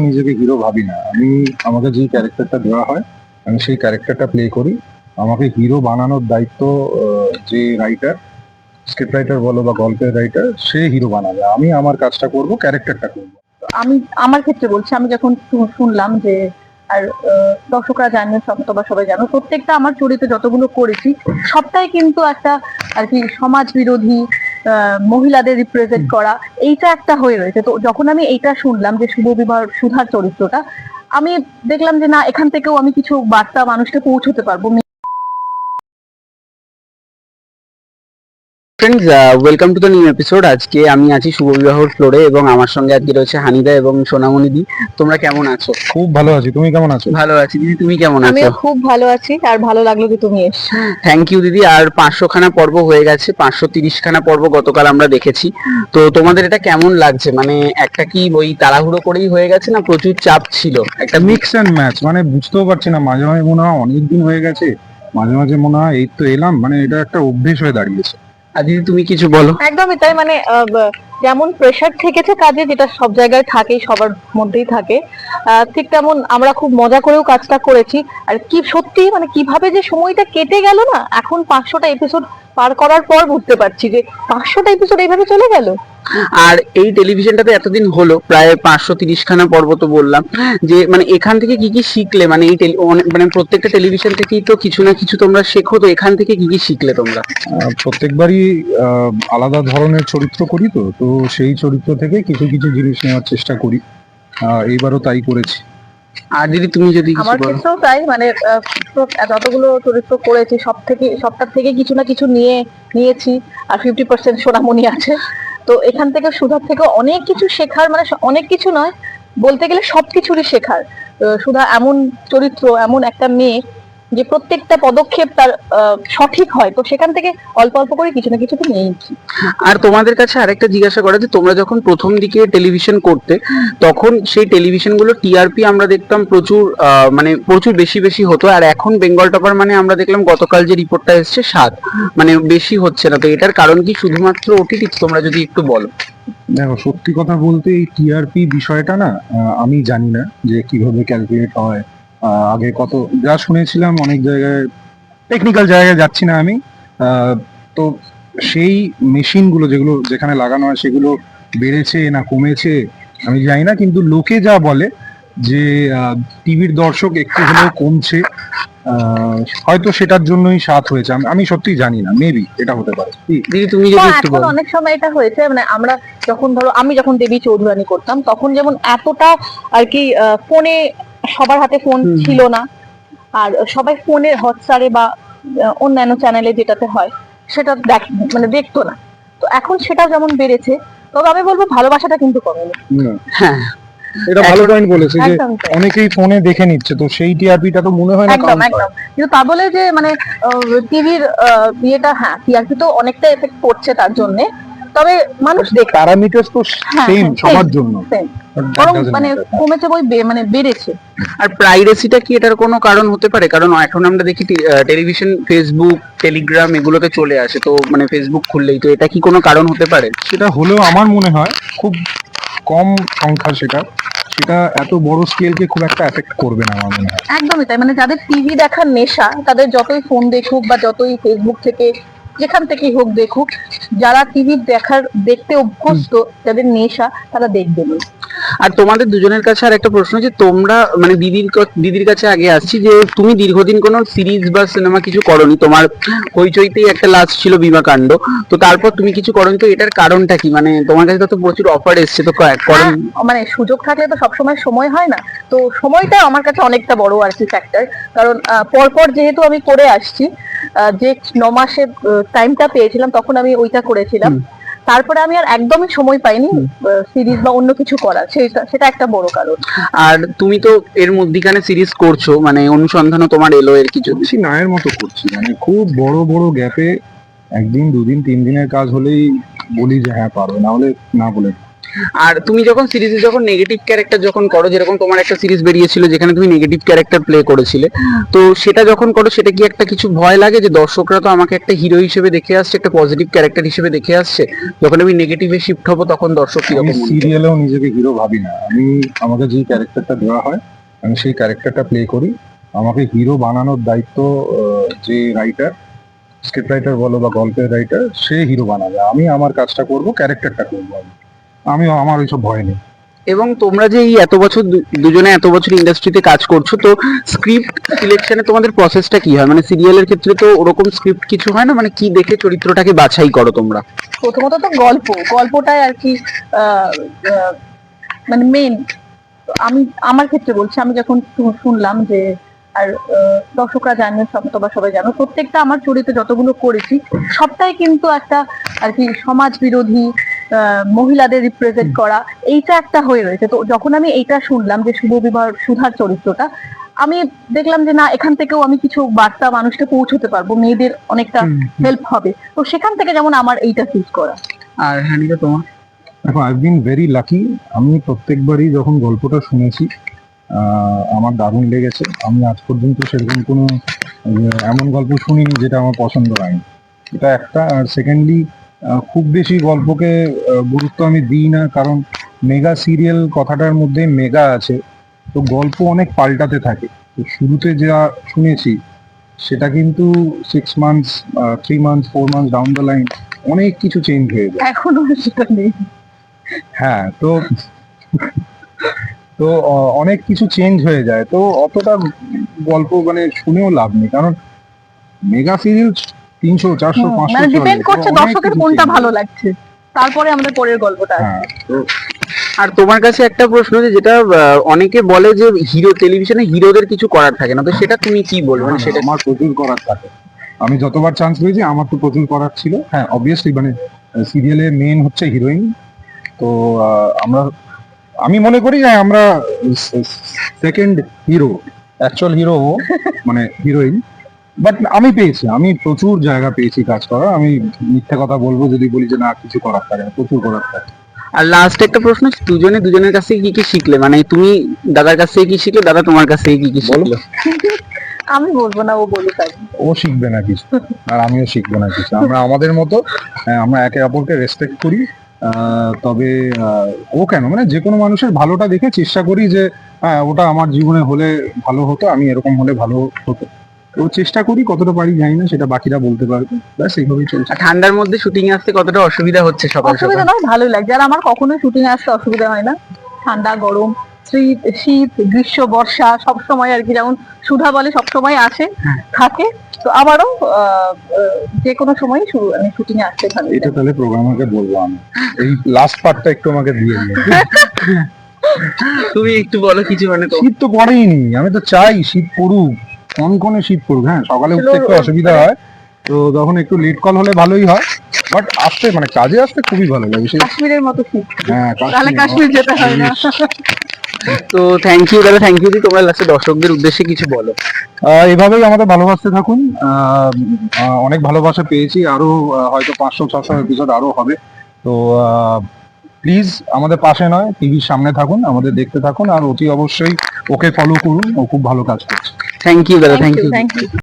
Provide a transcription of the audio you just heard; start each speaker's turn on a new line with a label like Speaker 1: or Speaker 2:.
Speaker 1: নিজেকে হিরো ভাবি না। আমাকে যে ক্যারেক্টারটা দেওয়া হয় আমি সেই ক্যারেক্টারটা প্লে করি। আমাকে হিরো বানানোর দায়িত্ব যে রাইটার, স্ক্রিপ্ট রাইটার বলো বা গল্পের রাইটার, সে হিরো বানাবে। আমি আমার কাজটা করব, ক্যারেক্টারটা করব।
Speaker 2: আমি আমার ক্ষেত্রে বলছি, আমি যখন শুনলাম যে আর দর্শকরা জানেন, তোমরা সবাই জানো, প্রত্যেকটা আমার চরিত্র যতগুলো করেছি সবটাই কিন্তু একটা আর কি সমাজ বিরোধী, মহিলাদের রিপ্রেজেন্ট করা, এইটা একটা হয়ে রয়েছে। তো যখন আমি এইটা শুনলাম যে শুভ বিবাহ সুধার চরিত্রটা, আমি দেখলাম যে না, এখান থেকেও আমি কিছু বার্তা মানুষকে পৌঁছতে পারবো।
Speaker 3: Friends, welcome to the new episode. আজকে আমি আছি শুভ বিবাহর ফ্লোরে এবং আমার সঙ্গে আজকে রয়েছে হানিদা এবং সোনামণি দি। তোমরা কেমন আছো?
Speaker 1: খুব ভালো আছি, তুমি কেমন আছো?
Speaker 3: ভালো আছি দিদি, তুমি কেমন আছো?
Speaker 2: আমিও খুব ভালো আছি, আর ভালো লাগলো যে তুমি এসছো।
Speaker 3: থ্যাংক ইউ দিদি। আর 500 খানা পর্ব হয়ে গেছে, 530 খানা পর্ব গতকাল আমরা দেখেছি। তো তোমাদের এটা কেমন লাগছে? মানে একটা কি ওই তাড়াহুড়ো করেই হয়ে গেছে, না প্রচুর চাপ ছিল?
Speaker 1: একটা মিক্স অ্যান্ড ম্যাচ, মানে বুঝতেও পারছি না। মাঝে মাঝে মনে হয় অনেকদিন হয়ে গেছে, মাঝে মাঝে মনে হয় এই তো এলাম। মানে এটা একটা অভ্যেস হয়ে দাঁড়িয়েছে।
Speaker 3: আর দিদি তুমি কিছু বলো।
Speaker 2: একদমই তাই, মানে যেমন প্রেশার থেকেছে কাজে, যেটা সব জায়গায় থাকেই, সবার মধ্যেই থাকে, ঠিক তেমন আমরা খুব মজা করেও কাজটা করেছি। আর কি সত্যি, মানে কিভাবে যে সময়টা কেটে গেল না, এখন 500টা এপিসোড পার করার পর বুঝতে পারছি যে 500টা এপিসোড এইভাবে চলে গেল।
Speaker 3: আর এই টেলিভিশনটাতে এতদিন হলো, প্রায় 530 খানা পর্ব, তো বললাম যে মানে এখান থেকে কি কি শিখলে? মানে এই মানে প্রত্যেকটা টেলিভিশন থেকেই তো কিছু না কিছু তোমরা শেখো, তো এখান থেকে কি কি শিখলে তোমরা?
Speaker 1: প্রত্যেকবারই আলাদা ধরনের চরিত্র করি, তো তো সেই চরিত্র থেকে কিছু কিছু জিনিস নেওয়ার চেষ্টা করি। এইবারও তাই করেছি।
Speaker 3: আর দিদি তুমি যদি কিছু
Speaker 2: আমার
Speaker 3: বলো।
Speaker 2: ক্ষেত্রেও তাই, মানে যতগুলো চরিত্র করেছি সবটার থেকে কিছু না কিছু নিয়েছি। আর 50% সোনামণি আছে, তো এখান থেকে সুধার থেকে অনেক কিছু শেখার, মানে অনেক কিছু নয়, বলতে গেলে সবকিছুরই শেখার। সুধা এমন চরিত্র, এমন একটা মেয়ে যে প্রত্যেকটা পদক্ষেপ তার সঠিক হয়, তো সেখান থেকে অল্প অল্প করে কিছু না কিছু তো নিয়েছি।
Speaker 3: আর তোমাদের কাছে আরেকটা জিজ্ঞাসা করা, যে তোমরা যখন প্রথম দিকে টেলিভিশন করতে, তখন সেই টেলিভিশন গুলো টিআরপি আমরা দেখতাম প্রচুর, মানে প্রচুর বেশি বেশি হতো। আর এখন বেঙ্গল টপার মানে আমরা দেখলাম গতকাল যে রিপোর্টটা এসছে 7, মানে বেশি হচ্ছে না। তো এটার কারণ কি শুধুমাত্র ওটিটি? তোমরা যদি একটু বলো।
Speaker 1: দেখো, সত্যি কথা বলতে এই টিআরপি বিষয়টা না, আমি জানি না যে কিভাবে ক্যালকুলেট হয়। আগে কত যা শুনেছিলাম, অনেক জায়গায় টেকনিক্যাল জায়গায় যাচ্ছি না আমি। তো সেই মেশিনগুলো যেখানে লাগানো হয় সেগুলো বেড়েছে না কমেছে আমি জানি না, কিন্তু লোকে যা বলে যে টিভির দর্শক একটু হলেও কমছে। হয়তো সেটার জন্যই 7 হয়েছে। আমি সত্যি জানি না, মেবি এটা হতে পারে।
Speaker 3: দিদি তুমি যদি একটু
Speaker 2: এখন
Speaker 3: বলো।
Speaker 2: অনেক সময় এটা হয়েছে, মানে আমরা যখন আমি যখন দেবী চৌধুরানী করতাম, তখন যেমন এতটা আর কি ফোনে, সবার হাতে ফোন ছিল না, আর সবাই ফোনে হটস্টারে বা অন্যান্য চ্যানেলে যেটাতে হয় সেটা মানে দেখতো না। তো এখন সেটা যেমন বেড়েছে, তবে আমি বলবো ভালোবাসাটা কিন্তু কমেনি।
Speaker 3: হ্যাঁ,
Speaker 1: এটা ভালো পয়েন্ট বলেছে যে
Speaker 2: একদম তাই।
Speaker 1: অনেকেই ফোনে দেখে নিচ্ছে, তো সেই টিআরপিটা তো মনে হয় না
Speaker 2: একদম
Speaker 1: কাউন্ট হয়।
Speaker 2: একদম, কিন্তু তা বলে যে মানে টিভির ইয়েটা, হ্যাঁ টিআরপি তো অনেকটা এফেক্ট পড়ছে তার জন্য, তবে মানুষ দেখে।
Speaker 1: প্যারামিটারস তো সেম সবার জন্য,
Speaker 2: বরং মানে কমেছে বই মানে বেড়েছে।
Speaker 3: আর প্রাইভেসিটা কি এটার কোনো কারণ হতে পারে? কারণ এখন আমরা দেখি টেলিভিশন, ফেসবুক, টেলিগ্রাম এগুলোতে চলে আসে, তো মানে ফেসবুক খুললেই, তো এটা কি কোনো কারণ হতে পারে?
Speaker 1: সেটা হলেও আমার মনে হয় খুব কম সংখ্যা। সেটা এত বড় স্কেলকে খুব একটা এফেক্ট করবে না আমার মনে হয়।
Speaker 2: একদমই তাই, মানে যাদের টিভি দেখার নেশা, তাদের যতই ফোন দেখুক বা যতই ফেসবুক থেকে যেখান থেকেই হোক দেখুক, যারা টিভি দেখতে অভ্যস্ত, যাদের নেশা, তারা দেখবে না।
Speaker 3: আর তোমাদের দুজনের কাছে আর একটা প্রশ্ন, যে তোমরা মানে দিদির কাছে আগে আসছি, যে তুমি দীর্ঘদিন কোনো সিরিজ বা সিনেমা কিছু করনি, তোমার হইচইতেই একটা লাস্ট ছিল বিমাকাণ্ড, তো তারপর তুমি কিছু করনি, তো এটার কারণটা কি? মানে তোমার কাছে তো প্রচুর অফার এসছে, তো করেন?
Speaker 2: মানে সুযোগ থাকলে তো সবসময় সময় হয় না, তো সময়টা আমার কাছে অনেকটা বড় আর কি ফ্যাক্টর। কারণ পরপর যেহেতু আমি করে আসছি, যে 9 মাসে টাইমটা পেয়েছিলাম তখন আমি ওইটা করেছিলাম, তারপরে আমি আর একদমই সময় পাইনি সিরিজ বা অন্য কিছু করার, সেটা একটা বড় কারণ।
Speaker 3: আর তুমি তো এর মধ্যিখানে সিরিজ করছো, মানে অনুসন্ধানও তোমার এলো, এর কিছু
Speaker 1: বেশি নায়ের মতো করছি, মানে খুব বড় বড় গ্যাপে 1 দিন 2 দিন 3 দিনের কাজ হলেই বলি যে হ্যাঁ পারো, না হলে না বলে।
Speaker 3: আর তুমি যখন সিরিজে যখন নেগেটিভ ক্যারেক্টার যখন করো, যেরকম তোমার একটা সিরিজ বেরিয়েছিল যেখানে তুমি নেগেটিভ ক্যারেক্টার প্লে করেছিলে, তো সেটা যখন করো সেটা কি একটা কিছু ভয় লাগে যে দর্শকরা তো আমাকে একটা হিরো হিসেবে দেখে আসছে, একটা পজিটিভ ক্যারেক্টার হিসেবে দেখে আসছে, যখন আমি নেগেটিভে শিফট হবো তখন দর্শক
Speaker 1: আমি
Speaker 3: কিরকম মনে করবে?
Speaker 1: সিরিয়ালেও নিজেকে হিরো ভাবি না। আমাকে যে ক্যারেক্টারটা দেওয়া হয় আমি সেই ক্যারেক্টারটা প্লে করি। আমাকে হিরো বানানোর দায়িত্ব যে রাইটার, স্ক্রিপ্ট রাইটার বলো বা গল্পের রাইটার, সে হিরো বানাবে। আমি আমার কাজটা করব, ক্যারেক্টারটা করবো। আমার ওইসব ভয় নেই।
Speaker 3: এবং তোমরা যে এই এত বছর দুজনে এত বছর ইন্ডাস্ট্রিতে কাজ করছো, তো স্ক্রিপ্ট সিলেকশনে তোমাদের প্রসেসটা কি হয়? মানে সিরিয়ালের ক্ষেত্রে তো ওরকম স্ক্রিপ্ট কিছু হয় না, মানে কি দেখে চরিত্রটাকে বাছাই করো তোমরা?
Speaker 2: প্রথমত তো গল্পটাই আর কি আহ, আহ, মানে মেন। আমি আমার ক্ষেত্রে বলছি, আমি যখন শুনলাম যে, আর দর্শকরা জানে, তোমরা সবাই জানো, প্রত্যেকটা আমার চরিত্র যতগুলো করেছি সবটাই কিন্তু একটা আর কি সমাজ বিরোধী, মহিলাদের রিপ্রেজেন্ট করা, এইটা একটা হয়ে রয়েছে। তো যখন আমি এইটা শুনলাম যে শুভবিবাহ সুধার চরিত্রটা, আমি দেখলাম যে না, এখান থেকেও আমি কিছু বার্তা মানুষকে পৌঁছতে পারবো, মেয়েদের অনেকটা হেল্প হবে। তো সেখান থেকে যেমন আমার এইটা চুজ করা।
Speaker 3: আর হানিকা তোমার?
Speaker 1: দেখো, আই বিন ভেরি লাকি। আমি প্রত্যেকবারই যখন গল্পটা শুনেছি আমার দারুণ লেগেছে। আমি আজ পর্যন্ত সেরকম কোনো এমন গল্প শুনিনি যেটা আমার পছন্দ হয়নি। এটা একটা। আর সেকেন্ডলি, খুব বেশি গল্পকে গুরুত্ব আমি দিই না, কারণ মেগা সিরিয়াল কথাটার মধ্যে মেগা আছে, তো গল্প অনেক পাল্টাতে থাকে। তো শুরুতে যা শুনেছি সেটা কিন্তু 6 months, 3 months, 4 months down the line অনেক কিছু চেঞ্জ হয়ে যায়।
Speaker 2: এখনো সেটা নেই।
Speaker 1: হ্যাঁ, তো তো অনেক কিছু চেঞ্জ হয়ে যায়। তো অতটা গল্প মানে শুনেও লাভ নেই, কারণ মেগা সিরিয়াল 300, 400, 500
Speaker 2: মানে
Speaker 1: চলে।
Speaker 2: ডিপেন্ড
Speaker 1: তো
Speaker 2: করছে
Speaker 1: অনেক
Speaker 2: দর্শকের
Speaker 1: কিছু
Speaker 2: কোনটা
Speaker 1: change
Speaker 2: ভালো
Speaker 1: হয়।
Speaker 2: লাগছে, তারপরে আমাদের পরের গল্পটা আসবে।
Speaker 1: হ্যাঁ, তো
Speaker 3: আর তোমার কাছে একটা প্রশ্ন, যেটা অনেকে বলে যে হিরো টেলিভিশনে হিরোদের কিছু করার থাকে না, তো সেটা তুমি কি বলবে? মানে সেটা
Speaker 1: আমার প্রচুর করার থাকে। আমি যতবার চান্স পেয়েছি আমার তো প্রচুর করার ছিল। হ্যাঁ, অবভিয়াসলি, মানে সিরিয়ালে মেন হচ্ছে হিরোইন। তো আমি মনে করি যে আমরা সেকেন্ড হিরো, অ্যাকচুয়াল হিরো মানে হিরোইন। বাট আমি প্রচুর জায়গা পেয়েছি কাজ করা। আমি মিথ্যা কথা বলবো যদি বলি যে না, কিছু করার থাকে না, প্রচুর করার থাকে।
Speaker 3: আর লাস্ট একটা প্রশ্ন, দুজনে দুজনের কাছ থেকে কি কি শিখলে? মানে তুমি দাদার কাছ থেকে কি শিখলে, দাদা তোমার কাছ থেকে কি কি শিখলো?
Speaker 2: আমি বলবো না, ও বলুক আগে।
Speaker 1: ও শিখবে না কিছু, আর আমিও শিখবো না কিছু। আমরা আমাদের মতো, আমরা একে অপরকে রেসপেক্ট করি। তবে ও কেন, মানে যে কোনো মানুষের ভালোটা দেখে চেষ্টা করি যে হ্যাঁ, ওটা আমার জীবনে হলে ভালো হতো, আমি এরকম হলে ভালো হতো। তো চেষ্টা করি, কতটা পারি জানি না, সেটা বাকিরা বলতে পারবে। ব্যাস এইভাবেই চলছে।
Speaker 3: আর ঠান্ডার মধ্যে শুটিং এ আসতে কতটা অসুবিধা হচ্ছে সকাল
Speaker 2: অসুবিধা
Speaker 3: সকাল?
Speaker 2: নয়, ভালোই লাগছে। আর আমার কখনোই শুটিং এ আসতে অসুবিধা হয় না। ঠান্ডা, গরম, শীত, গ্রীষ্ম, বর্ষা, সব সময় আর কি, যেমন সুধা বলে সব সময় আসে থাকে। তো আমারও যে কোনো সময় আমি শুটিং এ আসতে ভালো
Speaker 1: এটা তাহলে প্রোগ্রামারকে বলবো আমি, এই লাস্ট পার্টটা একটু আমাকে দিয়ে দিও।
Speaker 3: তুমি একটু বলো কিছু, মানে তো
Speaker 1: শীত তো পড়েইনি, আমি তো চাই শীত পড়ুক, কনকনে শীত পড়ুক। হ্যাঁ, সকালে উঠতে একটু অসুবিধা হয়, তো তখন একটু লেট কল হলে ভালোই হয়। বাট আসতে, মানে কাজে আসতে খুবই ভালো লাগে।
Speaker 2: কাশ্মীরের মতো শীত,
Speaker 1: হ্যাঁ,
Speaker 2: তাহলে কাশ্মীর যেতে হয় না।
Speaker 3: তো থ্যাংক ইউ দাদা, থ্যাংক ইউ। তোমরা লাস্টে দর্শকদের উদ্দেশ্যে কিছু বলো।
Speaker 1: এভাবেই আমাদের ভালোবাসতে থাকুন। অনেক ভালোবাসা পেয়েছি, আরো হয়তো 500-600 এপিসোড আরো হবে। তো প্লিজ আমাদের পাশে নয়, টিভির সামনে থাকুন, আমাদের দেখতে থাকুন, আর অতি অবশ্যই ওকে ফলো করুন। ও খুব ভালো কাজ করছে।
Speaker 3: থ্যাংক ইউ দাদা, থ্যাংক ইউ।
Speaker 2: Thank you.